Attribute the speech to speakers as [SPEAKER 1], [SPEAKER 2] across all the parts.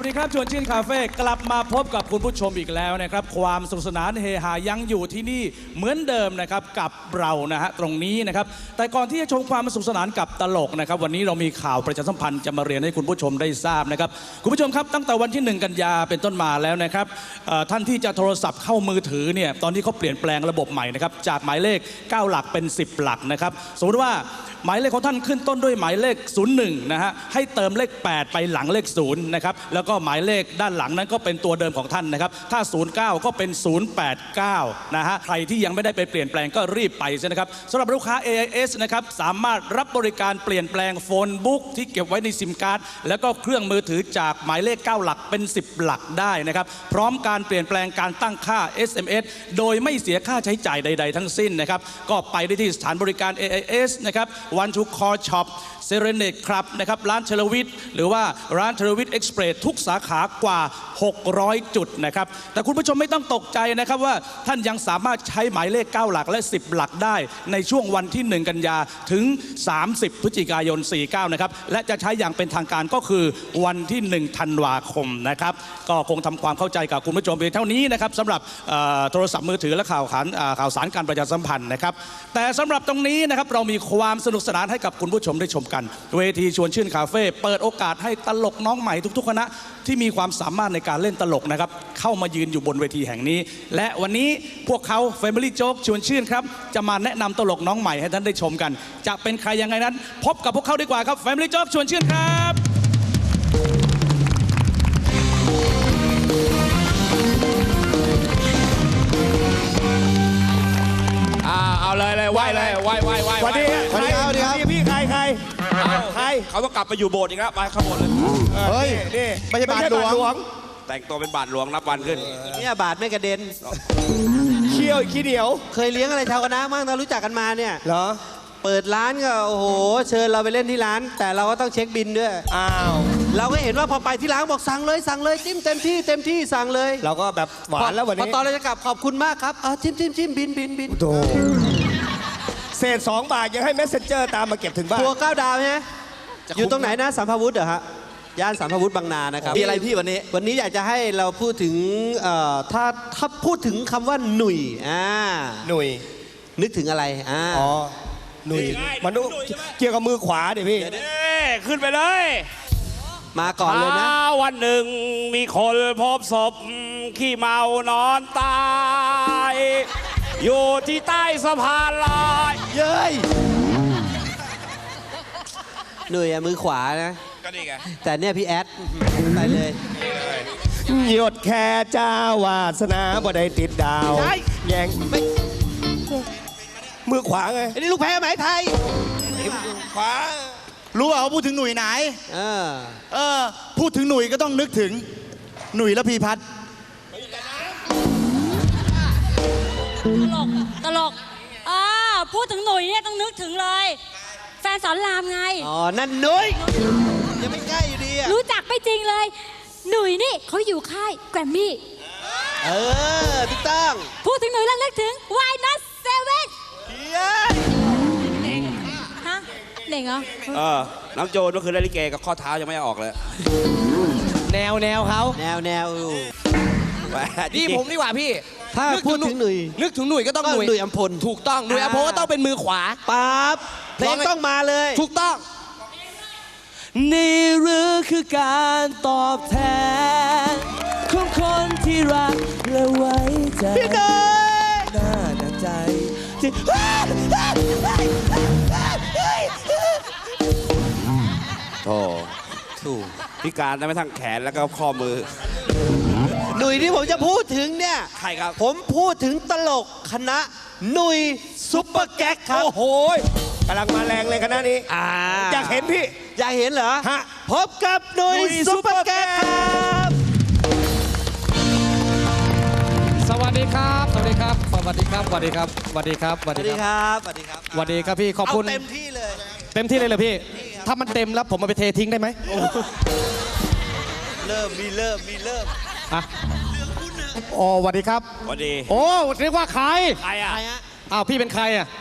[SPEAKER 1] วัสดีครับชวนชื่นคาเฟ่กลับมาพบกับคุณผู้ชมอีกแล้วนะครับความสนุกสนานเฮฮายังอยู่ที่นี่เหมือนเดิมนะครับกับเรานะฮะตรงนี้นะครับแต่ก่อนที่จะชมความสนุกสนานกับตลกนะครับวันนี้เรามีข่าวประชาสัมพันธ์จะมาเรียนให้คุณผู้ชมได้ทราบนะครับคุณผู้ชมครับตั้งแต่วันที่1 กันยาเป็นต้นมาแล้วนะครับท่านที่จะโทรศัพท์เข้ามือถือเนี่ยตอนนี้เขาเปลี่ยนแปลงระบบใหม่นะครับจากหมายเลข9 หลักเป็น10 หลักนะครับสมมติว่าหมายเลขของท่านขึ้นต้นด้วยหมายเลข01นะฮะให้เติมเลข8ไปหลังเลข0นะครับแล้วก็หมายเลขด้านหลังนั้นก็เป็นตัวเดิมของท่านนะครับถ้า09ก็เป็น089นะฮะใครที่ยังไม่ได้ไปเปลี่ยนแปลงก็รีบไปใช่นะครับสำหรับลูกค้า AIS นะครับสามารถรับบริการเปลี่ยนแปลงโฟนบุ๊กที่เก็บไว้ในซิมการ์ดแล้วก็เครื่องมือถือจากหมายเลข9 หลักเป็น10 หลักได้นะครับพร้อมการเปลี่ยนแปลงการตั้งค่า SMS โดยไม่เสียค่าใช้จ่ายใดๆทั้งสิ้นนะครับก็ไปได้ที่สถานบริการ AIS นะครับOne to Call Shop เซเรเนตครับนะครับร้านเทเลวิทหรือว่าร้านเทเลวิทเอ็กซ์เพรสทุกสาขากว่า600 จุดนะครับแต่คุณผู้ชมไม่ต้องตกใจนะครับว่าท่านยังสามารถใช้หมายเลข9 หลักและ10 หลักได้ในช่วงวันที่1 กันยาถึง30 พฤศจิกายน 49นะครับและจะใช้อย่างเป็นทางการก็คือวันที่1 ธันวาคมนะครับก็คงทำความเข้าใจกับคุณผู้ชมเพียงเท่านี้นะครับสำหรับโทรศัพท์มือถือและข่าวสารการประชาสัมพันธ์นะครับแต่สำหรับตรงนี้นะครับเรามีความสนุกสนานให้กับคุณผู้ชมได้ชมกันเวทีชวนชื่นคาเฟ่เปิดโอกาสให้ตลกน้องใหม่ทุกๆคณะที่มีความสามารถในการเล่นตลกนะครับเข้ามายืนอยู่บนเวทีแห่งนี้และวันนี้พวกเขา Family Joke ชวนชื่นครับจะมาแนะนำตลกน้องใหม่ให้ท่านได้ชมกันจะเป็นใครยังไงนั้นพบกับพวกเขาดีกว่าครับ Family Joke ชวนชื่นครับ
[SPEAKER 2] เอาเลยไหว้เลยไหว้
[SPEAKER 3] สวัสดีครับพี่ใคร
[SPEAKER 2] เขาต้องกลับไปอยู่โบสถ์อีกแล้วไปข้างบนเลย
[SPEAKER 3] เฮ้ยนี่ไม่ใช่บาทหลวง
[SPEAKER 2] แต่งตัวเป็นบาทหลวงนับวันขึ้น
[SPEAKER 4] เนี่ยบาทไม่กระเด็น
[SPEAKER 3] เขี้ยวขี้เหนียว
[SPEAKER 4] เคยเลี้ยงอะไรชาวคณะมั่งเรารู้จักกันมาเนี่ย
[SPEAKER 3] เหรอ
[SPEAKER 4] เปิดร้านก็โอ้โหเชิญเราไปเล่นที่ร้านแต่เราก็ต้องเช็คบินด้วย
[SPEAKER 3] อ้าว
[SPEAKER 4] เราก็เห็นว่าพอไปที่ร้านบอกสั่งเลยจิ้มเต็มที่สั่งเลย
[SPEAKER 3] เราก็แบบหวานแล้ววันนี้
[SPEAKER 4] พอตอนเราจะกลับขอบคุณมากครับจิ้มบิน
[SPEAKER 3] โธ่เศษ2 บาทยังให้เมสเซนเจอร์ตามมาเก็บถึงบ้าน
[SPEAKER 4] ทัวร์9 ดาวใช่ไหมอยู่ตรงไหนนะสัมภาวุธเหรอฮะย่านสัมภาวุธบางนานะครับ
[SPEAKER 3] มีอะไรพี่วัน
[SPEAKER 4] นี้อยากจะให้เราพูดถึงถ้าพูดถึงคำว่าหนุ่ยนึกถึงอะไร
[SPEAKER 3] อ๋อหนุ่ยมันเกี่ยวกับมือขวาดิพี่
[SPEAKER 2] ขึ้นไปเลย
[SPEAKER 4] มาก่อนเลยนะ
[SPEAKER 2] วันหนึ่งมีคนพบศพขี้เมานอนตายอยู่ที่ใต้สะพานลอย
[SPEAKER 4] เย้ยหนุ่ยมือขวานะ
[SPEAKER 2] ก็นี่ไง
[SPEAKER 4] แต่เนี่ยพี่แอดไปเลย
[SPEAKER 3] หยดแค่เจ้าวาสนาบ่ได้ติดดาวแยงมือขวาไง
[SPEAKER 4] ไอ้นี่ลูกแพ้ไหมไทย
[SPEAKER 3] ขวารู้ว่าเขาพูดถึงหนุ่ยไหนพูดถึงหนุ่ยก็ต้องนึกถึงหนุ่ยและพีพัฒน์
[SPEAKER 5] ตลกพูดถึงหนุ่ยเนี่ยต้องนึกถึงเลยแฟนสอนรามไง
[SPEAKER 4] อ๋อนั่นหนุ่ยยังไม่ใกล้อยู่ดีอะ
[SPEAKER 5] รู้จักไม่จริงเลยหนุ่ยนี่เขาอยู่ค่ายแกรมมี่
[SPEAKER 4] ถูกต้อง
[SPEAKER 5] พูดถึงหนุ่ยแล้วนึกถึง Why Not 7ฮะเด็กเหรอ
[SPEAKER 2] น้ำโจนก็คือได้ลิเกกับข้อเท้ายังไม่ออกเลย
[SPEAKER 4] แนวเขาแนว
[SPEAKER 6] นี่ผมดีกว่าพี่
[SPEAKER 4] ถ้าพูดถึงหนุ่ย
[SPEAKER 6] นึกถึงหนุ่ยก็ต้องห
[SPEAKER 4] นุ่ยอัมพล
[SPEAKER 6] ถูกต้องหนุ่ยอัมพลก็ต้องเป็นมือขวา
[SPEAKER 4] ปั๊บเพลงต้องมาเลย
[SPEAKER 6] ถูกต้องนี่หรือคือการตอบแทนของคนที่รักและไว้ใจ
[SPEAKER 4] พี่เนย
[SPEAKER 6] น่าหนักใจที่
[SPEAKER 2] โธ่พิการได้ไม่ทั้งแขนแล้วก็ข้อมือ
[SPEAKER 4] หนุ่ยที่ผมจะพูดถึงเนี่ย
[SPEAKER 2] ใครครับ
[SPEAKER 4] ผมพูดถึงตลกคณะหนุ่ยซุปเปอร์แก๊กครับ
[SPEAKER 3] โอ้โหกำลังมาแรงเลยคณะนี้อยากเห็นพี่
[SPEAKER 4] อยากเห็นเหรอ
[SPEAKER 3] ฮะ
[SPEAKER 4] พบกับหนุ่ยซุปเปอร์แก๊กครับ
[SPEAKER 6] สวัสดีครับสวัสดีครับสวัสดีครับสวัสดีครับสวัสดีครับ
[SPEAKER 4] สวัสดีครับสวัสดีครับ
[SPEAKER 6] สวัสดีครับพี่ขอบคุณ
[SPEAKER 4] เต็มที่เลย
[SPEAKER 6] เหรอพี่ถ้ามันเต็มแล้วผมมาไปเททิ้งได้ไหม
[SPEAKER 4] เริ่ม
[SPEAKER 6] อ๋อสวัสดีครับ
[SPEAKER 2] สวัสดี
[SPEAKER 6] โอ้เรียกว่าใคร
[SPEAKER 2] อ่ะ
[SPEAKER 6] อ้าวพี่เป็นใครอ่ะ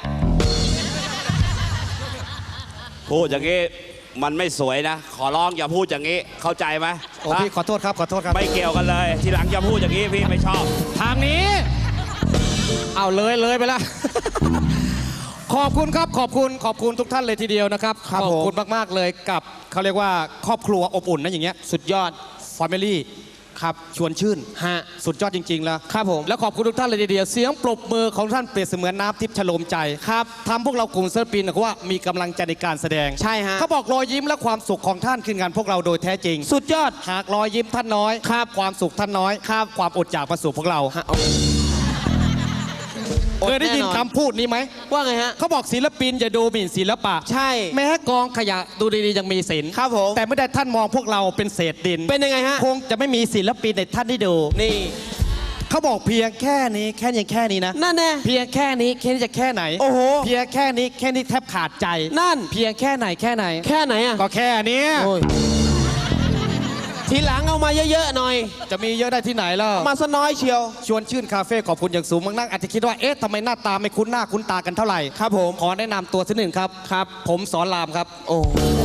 [SPEAKER 2] พูดอย่างงี้มันไม่สวยนะขอร้องอย่าพูดอย่างงี้เข้าใจไหม
[SPEAKER 6] โอ้พี่ขอโทษครับขอโทษครับ
[SPEAKER 2] ไม่เกี่ยวกันเลย ทีหลังจะพูดอย่างนี้พี่ไม่ชอบ
[SPEAKER 6] ทางนี้ เอาเลยไปละ ขอบคุณครับขอบคุณทุกท่านเลยทีเดียวนะครับ
[SPEAKER 4] ครับ
[SPEAKER 6] ขอบคุณ
[SPEAKER 4] ผม
[SPEAKER 6] มากๆเลยกับเขาเรียกว่าครอบครัวอบอุ่นนะอย่างเงี้ยสุดยอด Family ครับชวนชื่น
[SPEAKER 4] ฮะ
[SPEAKER 6] สุดยอดจริง ๆ แล้ว
[SPEAKER 4] ครับผม
[SPEAKER 6] แล้วขอบคุณทุกท่านเลยทีเดียวเสียงปรบมือของท่านเปรียบเสมือนน้ำทิพย์ฉโลมใจครับทำพวกเรากลุ่มศิลปินนะว่ามีกำลังใจในการแสดง
[SPEAKER 4] ใช่ฮะ
[SPEAKER 6] เขาบอกรอยยิ้มและความสุขของท่านคืองานพวกเราโดยแท้จริง
[SPEAKER 4] สุดยอด
[SPEAKER 6] หากรอยยิ้มท่านน้อยครับความสุขท่านน้อยครับความอดอยากมาสู่พวกเรา
[SPEAKER 4] ฮะเอา
[SPEAKER 6] เคยได้ยิน
[SPEAKER 4] แน่นอน
[SPEAKER 6] คำพูดนี้ไหม
[SPEAKER 4] ว่าไงฮะ
[SPEAKER 6] เขาบอกศิลปินอย่าดูหมิ่นศิลปะ
[SPEAKER 4] ใช่
[SPEAKER 6] แม้กองขยะดูดีๆยังมีศิลป์
[SPEAKER 4] ครับผม
[SPEAKER 6] แต่ไม่ได้ท่านมองพวกเราเป็นเศษดิน
[SPEAKER 4] เป็นยังไงฮะ
[SPEAKER 6] คงจะไม่มีศิลปินในท่านได้ดู
[SPEAKER 4] นี่
[SPEAKER 6] เขาบอกเพียงแค่นี้แค่นี้นะ
[SPEAKER 4] นั่นแน่
[SPEAKER 6] เพียงแค่นี้แค่นี้จะแค่ไหน
[SPEAKER 4] โอ้โห
[SPEAKER 6] เพียงแค่นี้แทบขาดใจ
[SPEAKER 4] นั่น
[SPEAKER 6] เพียงแค่ไหน
[SPEAKER 4] แค่ไหนอ่ะ
[SPEAKER 6] ก็แค่เนี้ย
[SPEAKER 4] โอ้ยทีหลังเอามาเยอะๆหน่อย
[SPEAKER 6] จะมีเยอะได้ที่ไหนแล้ว
[SPEAKER 4] เอามาซะน้อยเชียว
[SPEAKER 6] ชวนชื่นคาเฟ่ขอบคุณอย่างสูงมากนักอาจจะคิดว่าเอ๊ะทำไมหน้าตาไม่คุ้นหน้าคุ้นตากันเท่าไหร่
[SPEAKER 4] ครับผม
[SPEAKER 6] ขอแนะนำตัวสักหนึ่งครับครับ ผมสอนรามครับ
[SPEAKER 4] โอ้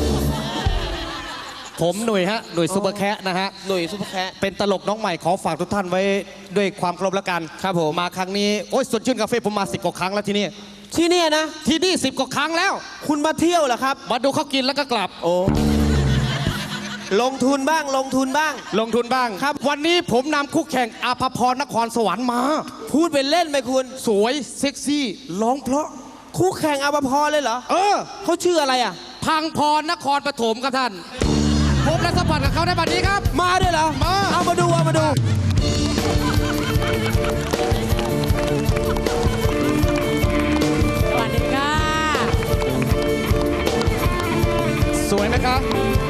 [SPEAKER 6] ผมหนุ่ยฮะหนุ่ยซุปเปอร์แคะนะฮะ
[SPEAKER 4] หนุ่ยซุปเปอร์แคะ
[SPEAKER 6] เป็นตลกน้องใหม่ขอฝากทุกท่านไว้ด้วยความเคารพแล้วกัน
[SPEAKER 4] ครับผม
[SPEAKER 6] มาครั้งนี้โอ้ยสดชื่นคาเฟ่ผมมา10 กว่าครั้งแล้วที่นี่
[SPEAKER 4] ที่เนี่ยนะ
[SPEAKER 6] ที่นี่10 กว่าครั้งแล้ว
[SPEAKER 4] คุณมาเที่ยวเหรอครับ
[SPEAKER 6] มาดูเขากินแล้วก็กลับ
[SPEAKER 4] โอ้ ลงทุนบ้าง
[SPEAKER 6] ลงทุนบ้างครับ วันนี้ผมนำคู่แข่งอาภพรนครสวรรค์มา
[SPEAKER 4] พูดเป็นเล่นไหมคุณ
[SPEAKER 6] สวยเซ็กซี่ร้องเพราะ
[SPEAKER 4] คู่แข่งอาภพรเลยเหรอ
[SPEAKER 6] เออ
[SPEAKER 4] เขาชื่ออะไรอ่ะ
[SPEAKER 6] พังพรนครปฐมครับท่านพบและสัมผัสกับเขาในบัดนี้ครับ
[SPEAKER 4] มาด้วยเหรอ
[SPEAKER 6] มา
[SPEAKER 4] เอามาดู
[SPEAKER 5] สวัสดีค่ะ
[SPEAKER 6] สวยนะครับ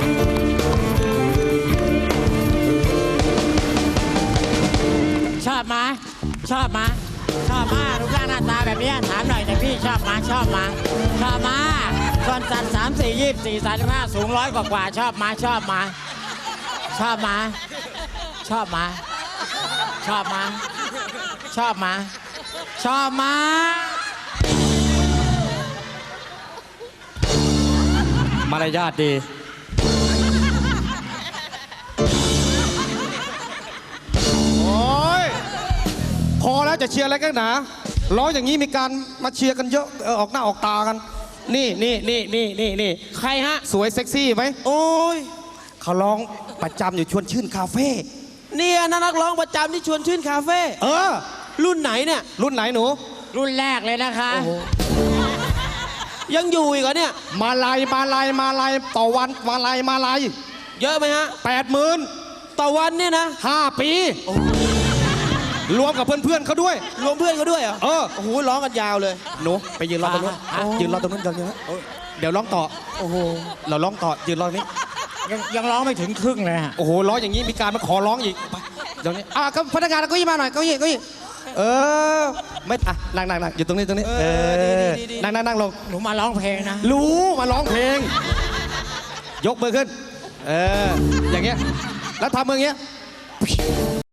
[SPEAKER 5] ชอบมาชอบมาชอบมารูปร่างหน้าตาแบบเนี้ยถามหน่อยแต่พี่ชอบมาชอบมาชอบมาส่วนสัตว์3 4 24 35สูง100 กว่าชอบมาชอบมาชอบมาชอบมาชอบมาชอบมาชอบมา
[SPEAKER 6] มารยาทดี โอ้ย พอแล้วจะเชียร์อะไรกันหนาร้องอย่างนี้มีการมาเชียร์กันเยอะออกหน้าออกตากัน นี่
[SPEAKER 4] ใครฮะ
[SPEAKER 6] สวยเซ็กซี่ไหม
[SPEAKER 4] โอ้ย
[SPEAKER 6] เขาร้องประจำอยู่ชวนชื่นคาเฟ่
[SPEAKER 4] เนี่ยนะนักร้องประจำที่ชวนชื่นคาเฟ่
[SPEAKER 6] เออ
[SPEAKER 4] รุ่นไหนเนี่ย
[SPEAKER 6] รุ่นไหนหนู
[SPEAKER 5] รุ่นแรกเลยนะคะ
[SPEAKER 4] ยังอยู่อีกเหรอเนี่ย
[SPEAKER 6] มาลายต่อวันมาลาย
[SPEAKER 4] เยอะไหมฮะ
[SPEAKER 6] 80,000
[SPEAKER 4] ต่อวันเนี่ยนะ
[SPEAKER 6] 5 ปี รวมกับเพื่อนๆเขาด้วย
[SPEAKER 4] รวมเพื่อนเขาด้วยเหรอ
[SPEAKER 6] เออ
[SPEAKER 4] โอ้โหร้องกันยาวเลย
[SPEAKER 6] หนูไปยืนรอตรงนู้น
[SPEAKER 4] อ่ะ
[SPEAKER 6] ยืนรอตรงนู้นเดี๋ยวร้องต่อ
[SPEAKER 4] โอ้โห
[SPEAKER 6] เราร้องต่อยืนรอนี้
[SPEAKER 5] ยังร้องไม่ถึงครึ่งเลยฮะ
[SPEAKER 6] โอ้โหร้องอย่างนี้มีการมาขอร้องอีกไปเดี๋ยวนี้ก็พนักงานเก็ยี่มาหน่อยเก็ยี่เออไม่นั่งอยู่ตรงนี้เออ
[SPEAKER 4] ดี
[SPEAKER 6] นั่งลง
[SPEAKER 5] หนูมาร้องเพลงนะ
[SPEAKER 6] รู้มาร้องเพลง ยกมือขึ้น เอออย่างเงี้ยแล้วทำมืออย่างเงี้ย